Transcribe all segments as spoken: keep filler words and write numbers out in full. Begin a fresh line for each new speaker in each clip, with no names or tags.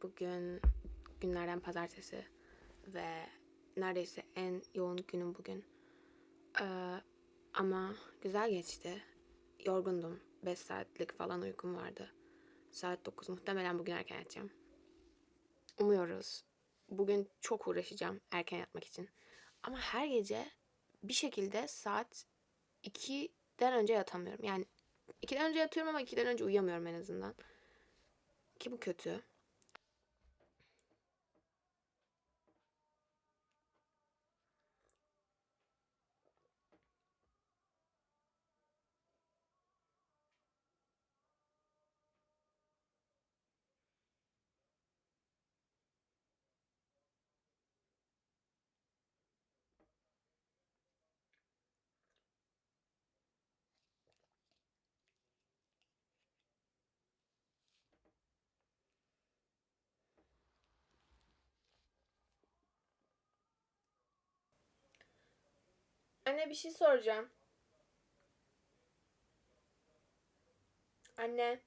Bugün günlerden pazartesi ve neredeyse en yoğun günüm bugün. Ee, ama güzel geçti. Yorgundum. beş saatlik falan uykum vardı. Saat dokuz. Muhtemelen bugün erken yatacağım. Umuyoruz. Bugün çok uğraşacağım erken yatmak için. Ama her gece bir şekilde saat ikiden önce yatamıyorum. Yani ikiden önce yatıyorum ama ikiden önce uyuyamıyorum en azından. Ki bu kötü. Anne bir şey soracağım. Anne.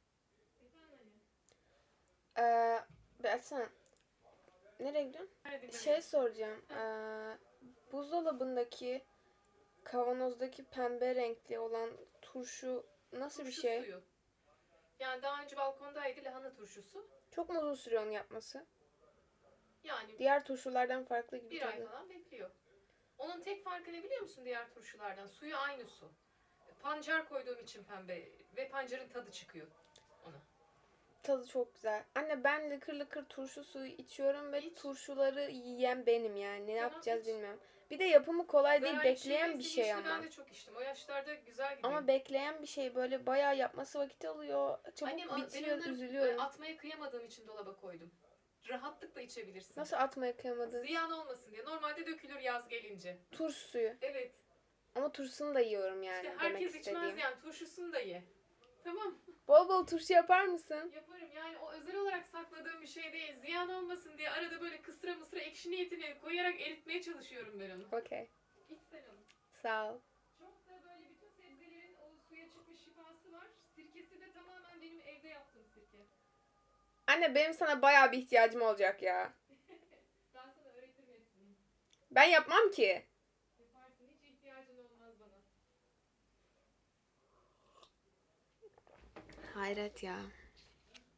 Ee, bir açsana. Nereye gidiyorsun? Şey soracağım. Ee, buzdolabındaki kavanozdaki pembe renkli olan turşu nasıl bir
Turşu
şey?
suyu. Yani daha önce balkondaydı lahana turşusu.
Çok mu uzun sürüyor onu yapması?
Yani
Diğer turşulardan farklı gibi
bir ay
tadı.
falan bekliyor. Onun tek farkı ne biliyor musun diğer turşulardan? Suyu aynı su. Pancar koyduğum için pembe ve pancarın tadı çıkıyor ona.
Tadı çok güzel. Anne ben lıkır lıkır turşu suyu içiyorum ve
İç.
turşuları yiyen benim yani. Ne
Tamam
yapacağız
iç.
bilmiyorum. Bir de yapımı kolay değil.
Zararlı bir şey
Bekleyen bir
değilse
şey
yeşili
ama.
ben de çok içtim. O yaşlarda güzel gidiyor.
Ama bekleyen bir şey böyle bayağı yapması vakit alıyor. Çabuk
Annem ben
bitiyor,
onları
üzülüyorum.
atmaya kıyamadığım için dolaba koydum. Rahatlıkla içebilirsin.
Nasıl atmaya kıyamadın?
Ziyan olmasın diye. Normalde dökülür yaz gelince.
Turşu suyu.
Evet.
Ama turşusunu da yiyorum yani
İşte
demek
herkes
istediğim.
içmez yani. Turşusunu da ye. Tamam.
Bol bol turşu yapar mısın?
Yaparım yani o özel olarak sakladığım bir şey değil. Ziyan olmasın diye arada böyle kısra mısra ekşi niyetine koyarak eritmeye çalışıyorum ben onu.
Okey.
İç sen onu.
Sağ ol.
Çok da böyle bütün sebzelerin o suya çıkmış şifası var. Sirkesi de tamamen benim evde yaptığım sirke.
Anne benim sana bayağı bir ihtiyacım olacak ya.
Ben sana öğretirim hepsini.
Ben yapmam ki.
Yaparsın hiç ihtiyacın olmaz bana.
Hayret ya.